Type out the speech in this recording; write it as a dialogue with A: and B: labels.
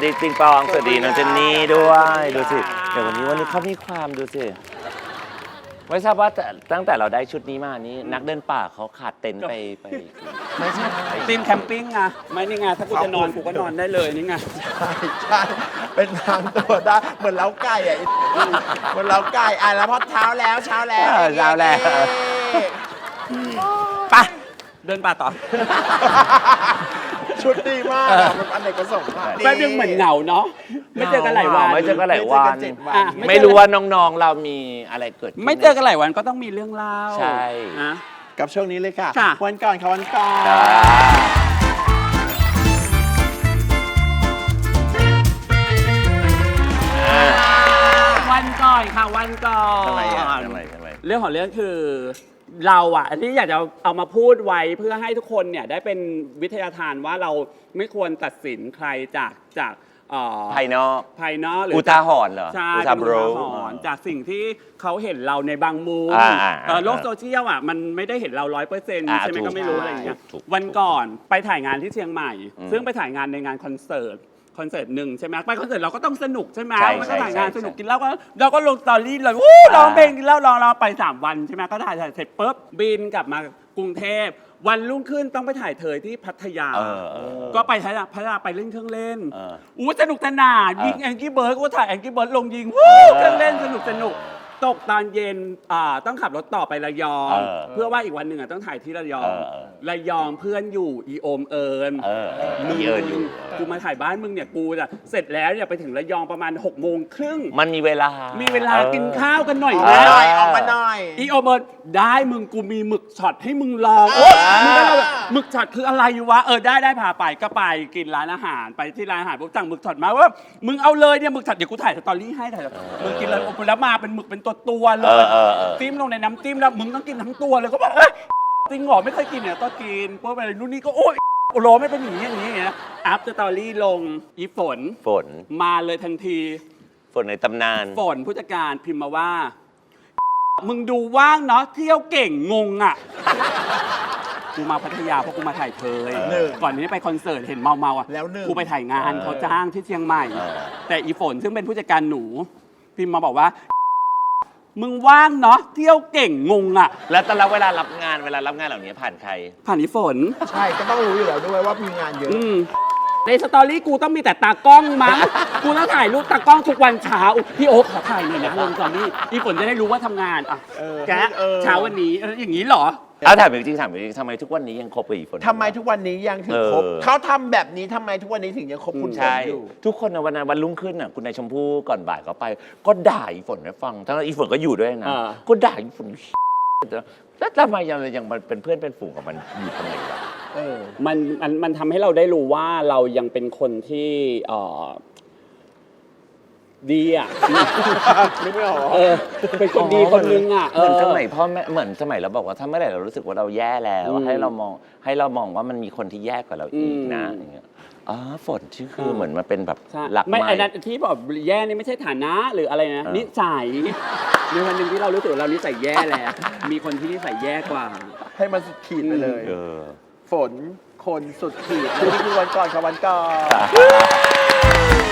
A: ดีปิงปองสวัสดีน้องเจนนี่ด้วยดูสิเดี๋ยววันนี้เขามีความดูสิไม่ทราบว่าตั้งแต่เราได้ชุดนี้มานี่นักเดินป่าเขาขาดเต็นท์ไป
B: ไม่ใช่ทีมแคมปิ้งไงไม่นี่ไงถ้ากูจะนอนกูก็นอนได้เลยนี่ไง
C: ใช่เป็นทางตัวได้เหมือนเล้าไก่อ่ะเหมือนเล้าไก่แล้วพอเช้าแล้ว
B: ไปเดินป่าต่อ
C: ชุดดีมากมันอันไหนก็ส่ง
B: แป๊บนึงเหมือนเหงาเนาะไม่เจอกันหลายวัน
A: ไม่รู้ว่าน้องๆเรามีอะไรเกิด
B: ไม่เจอกันหลายวันก็ต้องมีเรื่องเล่า
A: ใช่
B: นะ
C: กับช่วงนี้เลยค่ะวันก่อนวันก่อน
B: ค่ะวันก่อน
A: ทำไม
B: เรื่องของเรื่องคือเราอ่ะที่อยากจะเอามาพูดไว้เพื่อให้ทุกคนเนี่ยได้เป็นวิทยาทานว่าเราไม่ควรตัดสินใครจาก
A: ภายนอกหรือ
B: อุ
A: ทาหรณ์เหรอ
B: ใช่อุทาหรณ์จากสิ่งที่เขาเห็นเราในบางมุมโลกโซเชียลอ่ะมันไม่ได้เห็นเรา 100% ใช่ไหมก็ไม่รู้อะไรอย่างเงี้ยวันก่อนไปถ่ายงานที่เชียงใหม่ซึ่งไปถ่ายงานในงานคอนเสิร์ตหนึ่งใช่ไหมไปคอนเสิร์ตเราก็ต้องสนุกใช่ไหมมันก็ถ่ายงานสนุกกินเหล้าก็เราก็ลงสตอรี่เลยร้องเพลงกินเหล้าร้องไป3 วันใช่ไหมก็ถ่ายเสร็จปุ๊บบินกลับมากรุงเทพวันรุ่งขึ้นต้องไปถ่ายเธอที่พัทยาก็ไปพัทยาไปเล่นเครื่องเล่นสนุกสนานยิงแองกี้เบิร์ดก็ถ่ายแองกี้เบิร์ดลงยิงเครื่องเล่นสนุกตกตอนเย็นต้องขับรถต่อไประยองเพื่อว่าอีกวันหนึ่งต้องถ่ายที่ระยองเพื่อนอยู่อีโอมเอิญ
A: มีเอิญอยู่
B: กูมาถ่ายบ้านมึงเนี่ยกูจะเสร็จแล้วเนี่ยไปถึงระยองประมาณ6:30
A: มันมีเวลา
B: กินข้าวกันหน่อย
C: นะออกมาหน่อย
B: อีโอมเอิญได้มึงกูมีหมึกช็อตให้มึงลองมึงก็แบบหมึกช็อตคืออะไรวะได้พาไปก็ไปกินร้านอาหารไปที่ร้านอาหารปุ๊บสั่งหมึกช็อตมาว่ามึงเอาเลยเนี่ยหมึกช็อตเดี๋ยวกูถ่ายสตอรี่ให้มึงกินเลยแล้วมาเป็นหมึกเป็นตัวเลยจิ้มลงในน้ำจิ้มแล้วมึงต้องกินทั้งตัวเลยก็บอกจริงเหรอไม่เคยกินเนี่ยก็กินเพราะอะไรนู่นนี่ก็โอ๊ยโรไม่เป็นอย่างนี้อัพสตอรี่ลงอีฝนมาเลยทันที
A: ฝนในตำนาน
B: ฝนผู้จัดการพิมพ์มาว่ามึงดูว่างเนาะเที่ยวเก่งงงอ่ะกูมาพัทยาเพราะกูมาถ่ายเธอก่อนนี้ไปคอนเสิร์ตเห็นเมาอ่ะ
C: แล้ว
B: กูไปถ่ายงานเขาจ้างที่เชียงใหม่แต่อีฝนซึ่งเป็นผู้จัดการหนูพิมพ์มาบอกว่ามึงว่างเนาะเที่ยวเก่งงงอ่ะ
A: แล้วแต่ละเวลารับงานเหล่านี้ผ่านใคร
B: ผ่านอีฝน
C: ใช่ก็ต้องรู้อยู่แล้วด้วยว่ามีงานเยอะ
B: ในสตอรี่กูต้องมีแต่ตากล้องมั้งกูต้องถ่ายรูปตากล้องทุกวันเช้าพี่โอ๊คขอถ่ายหน่อยนะลงสตอรี่อีฝนจะได้รู้ว่าทำงานแกเช้าวันนี้อย่างนี้เหรอ
A: ถามจริงทำไมทุกวันนี้ยังคบกับอีฝน
C: ทำไมทุกวันนี้ยังถึงคบเขาทำแบบนี้ทำไมทุกวันนี้ถึงยังคบคุณฝนอยู่
A: ทุกคนในวันรุ่งขึ้นน่ะคุณนายชมพู่ก่อนบ่ายก็ไปก็ด่าอีฝนให้ฟังทั้งอีฝนก็อยู่ด้วยนะก็ด่าอีฝนแล้วทำไมยังมันเป็นเพื่อนเป็นฝูงกับมันอยู่ทำไมวะ
B: มันทำให้เราได้รู้ว่าเรายังเป็นคนที่ดีอ่ะ
C: ไม่ออก
B: เป็นคนดีคนนึงอ่ะ
A: เหมือนสมัยพ่อแม่เหมือนสมัยเราบอกว่าถ้าเมื่อไหร่เรารู้สึกว่าเราแย่แล้วให้เรามองว่ามันมีคนที่แย่กว่าเราอีกนะอย่างเงี้ยฝนชื่อคือเหมือนมันเป็นแบบหลัก
B: ไม่ไอ้นั้นที่บอกแย่นี่ไม่ใช่ฐานะหรืออะไรนะนิสัยในวันหนึ่งที่เรารู้สึกเรานิสัยแย่แล้วมีคนที่นิสัยแย่กว่า
C: ให้มันสุดขีดไปเลยฝนคนสุดขีดนี่คือวันก่อน